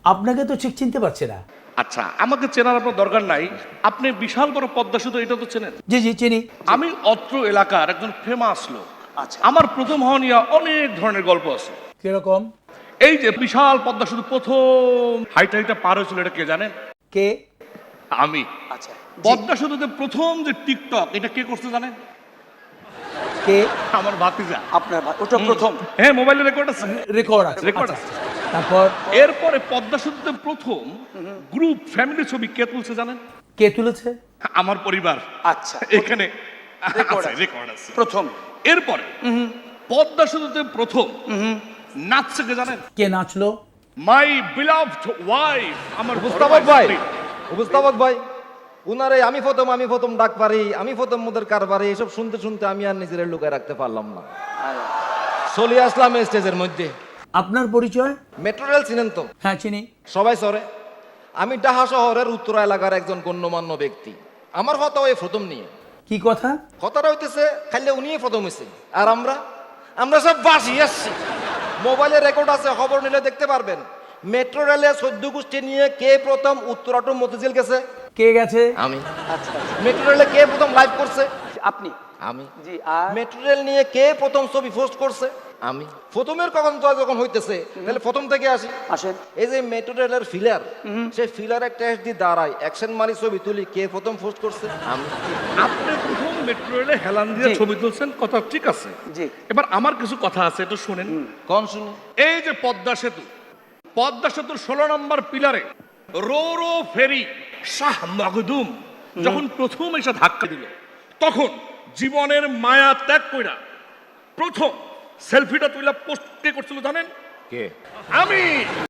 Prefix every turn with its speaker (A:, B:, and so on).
A: আপনাকে তো ঠিক চিনতে পারছে না।
B: আচ্ছা, আমাকে চেনার আপনার দরকার নাই। আপনি বিশাল বড় পদ্মা সেতু, এটা তো চেনেন।
A: জি জি চিনি।
B: আমি অত্র এলাকার একজন ফেমাস লোক।
A: আচ্ছা।
B: আমার প্রথম হওয়া নিয়ে অনেক ধরনের গল্প আছে।
A: কিরকম?
B: এই যে বিশাল পদ্মা সেতু প্রথম হাইটা পার হয়েছিল, এটা কে জানেন?
A: কে?
B: আমি।
A: আচ্ছা।
B: পদ্মা সেতুতে প্রথম যে টিকটক, এটা কে করতে জানেন?
A: কে?
B: আমার ভাতিজা।
A: আপনার ওটা প্রথম
B: হ্যাঁ, মোবাইলে রেকর্ড আছে।
A: রেকর্ড আছে।
B: রেকর্ড
A: আচ্ছা,
B: আছে।
A: তারপর
B: এরপরে পদ্মা সেতুতে প্রথম গ্রুপ ফ্যামিলি ছবি কে তুলছে জানেন?
A: কে তুলেছে?
B: আমার পরিবার।
A: আচ্ছা।
B: এখানে
A: Record আছে।
B: রেকর্ড আছে।
A: প্রথম।
B: এরপরে পদ্মা সেতুতে প্রথম নাচছে কে জানেন?
A: কে নাচলো?
B: মাই বিলাভড ওয়াইফ, আমার
C: উপস্থাপক ভাই,
B: স্ত্রী।
C: উপস্থাপক ভাই, উনারে আমি প্রথম ডাক পারি, আমি প্রথম মোদের কারবারে, এসব শুনতে শুনতে আমি আর নিজের লুকায় রাখতে পারলাম না, চলে আসলাম এই স্টেজের মধ্যে।
A: আপনার পরিচয়?
C: মেট্রো রেল চিনেন তো?
A: হ্যাঁ চিনি।
C: সবাই সরে। আমি ডাহা শহরের উত্তরা এলাকার একজন গণ্যমান্য ব্যক্তি। আমার কথা ওই প্রথম নিয়ে।
A: কি কথা?
C: কথাটা হইতেছে খাইলে উনিই প্রথম হয়েছে, আর আমরা সব বাসি আসছি। মোবাইলে রেকর্ড আছে, খবর নিলে দেখতে পারবেন। মেট্রো রেলে 14 গোষ্ঠী নিয়ে কে প্রথম উত্তরা টু মতিঝিল গেছে?
A: কে গেছে?
C: আমি। মেট্রো রেলে কে প্রথম লাইভ করছে?
A: আপনি।
C: আমি।
A: জি। আর
C: মেট্রো রেল নিয়ে কে প্রথম ছবি পোস্ট করছে? আমি। প্রথমের কখন তো যখন হইতেছে, তাহলে প্রথম থেকে আসি।
A: আসেন।
C: এই যে মেট্রো রেলের ফিলার, সেই ফিলারের টেস্ট দিয়ে দাঁড়ায় অ্যাকশন মারি ছবি তুলি, কে প্রথম পোস্ট করছে? আমি।
B: আপনি প্রথম মেট্রো রেলে হেলান দিয়ে
A: জি।
B: ছবি তুলছেন, কথা ঠিক আছে।
A: জি।
B: এবার আমার কিছু কথা আছে, এটা শুনেন।
C: কোন শুনি?
B: এই যে পদ্মা সেতুর 16 নম্বর পিলারে রো ফেরি শাহ মখদুম যখন প্রথম এসে ধাক্কা দিল, তখন জীবনের মায়া ত্যাগ কইরা প্রথম সেলফিটা তুইলা পোস্ট কে করছিল জানেন?
C: কে?
B: আমি।